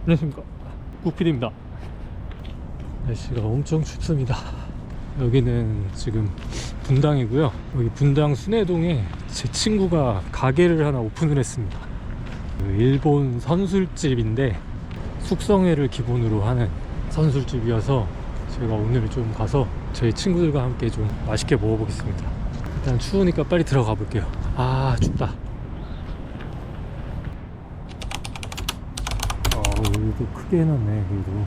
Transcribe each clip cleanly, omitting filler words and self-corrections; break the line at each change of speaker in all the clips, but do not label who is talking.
안녕하십니까, 국PD입니다. 날씨가 엄청 춥습니다. 여기는 지금 분당이고요. 여기 분당 순회동에 제 친구가 가게를 하나 오픈을 했습니다. 일본 선술집인데 숙성회를 기본으로 하는 선술집이어서 제가 오늘 좀 가서 저희 친구들과 함께 좀 맛있게 먹어보겠습니다. 일단 추우니까 빨리 들어가 볼게요. 아, 춥다. 여기도 크게 해놨네. 그래도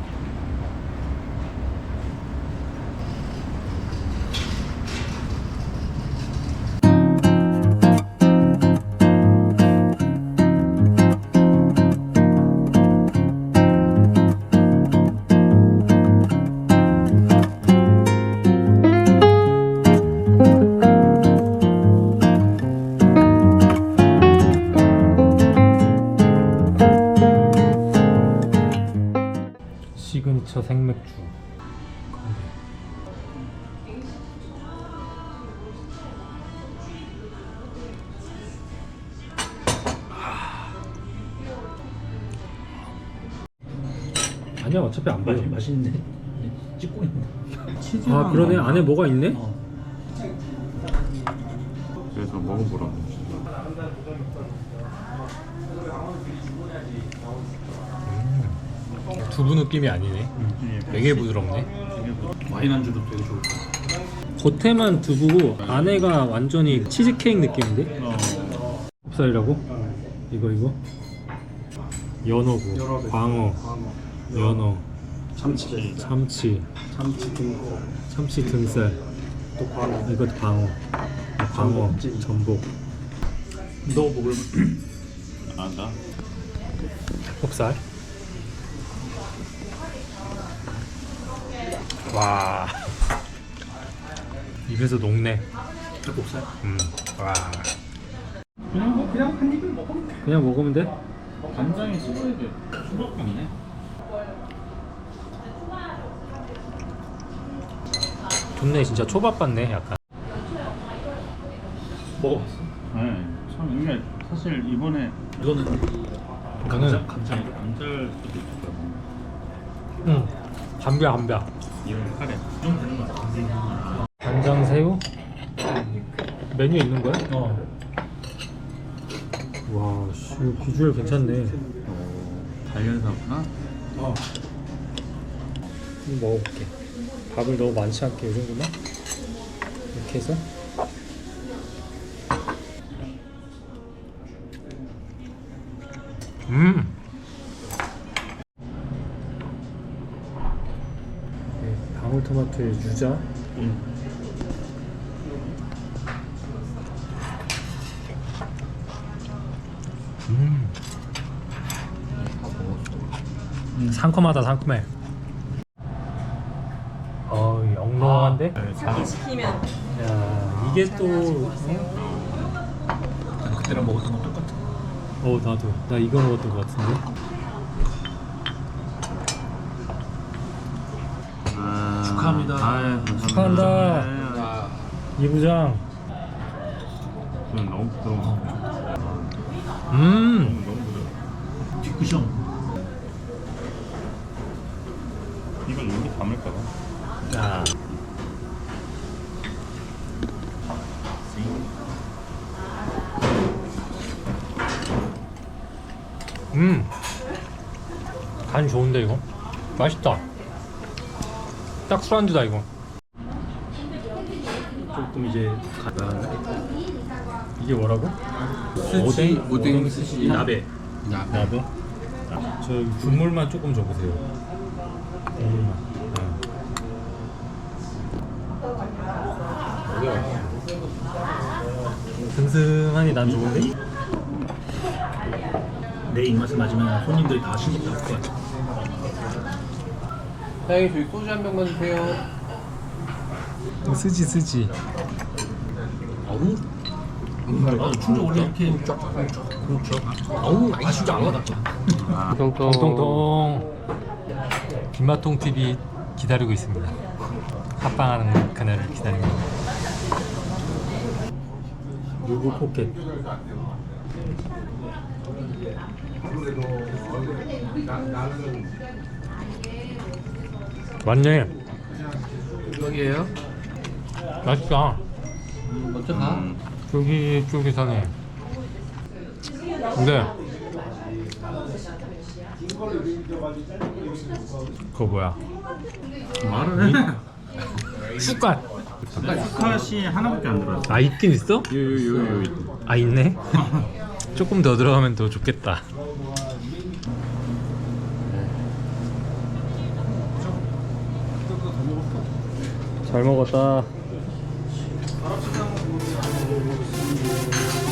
시그니처 생맥주. 아니야, 어차피 안 보여.
맛있는데? 찍고 있는데.
아, 그러네. 안에 뭐가 있네?
그래서 먹어보라고.
두부 느낌이 아니네. 되게 부드럽네.
와인 안주도 되게 좋을 것 같아.
겉에만 두부고 안에가 완전히 치즈케이크 느낌인데? 곱살이라고? 이거 연어고, 광어, 연어,
참치
참치 등살,
또 광어.
이것도 광어, 전복.
너 먹을
아, 나?
곱살. 와, 입에서 녹네.
닭목살?
와,
그냥 한 입을 먹으면 돼.
그냥 먹으면 돼?
간장에 찍어야 돼. 수밖에 없네.
좋네. 진짜 초밥 같네. 약간.
먹어봤어?
네. 참 이게 사실 이번에
이거는
이거는
감자.
감자를 수도 있고.
감벼.
이건 카레.
좀 되는 거 같아.
간장 새우? 메뉴에 있는 거야? 와, 씨, 비주얼 괜찮네.
달걀사구나.
한번 먹어볼게. 밥을 너무 많지 않게 이 정도만 이렇게 해서. 네, 방울토마토의 유자. 상큼하다, 상큼해. 영롱한데?
이렇게 시키면
야, 이게 또
그때랑 먹었던 거 똑같아.
나도. 나 이거 먹었던 것 같은데.
축하합니다.
축하한다. 이 부장.
너무 부드러워. 너무 부드러워.
뒷구션.
이걸 여기 담을까봐.
자, 간이 좋은데 이거? 맛있다. 딱 술안주다 이거.
조금 이제
이게 뭐라고?
오뎅 스시 나베.
나베? 저 국물만 조금 줘보세요. 국물만. 슴슴하니 난 좋은데?
내 입맛에 맞으면 손님들이 다 신경 쓸 거야.
사장님 저희 소주 한 병만 주세요.
쓰지.
충전 원래 이렇게 맛있지 않아.
통통. 김마통 TV 기다리고 있습니다. 합방하는 그날을 기다립니다. 유부 포켓. 맞네.
여기에요?
맛있다.
먼저 가.
쫄깃쫄깃하네. 근데 그거 뭐야?
말을 해.
쑥갓.
스카시 하나밖에 안 들어있어.
아 있긴 있어?
요요요요.
아 있네. 조금 더 들어가면 더 좋겠다. 잘 먹었다.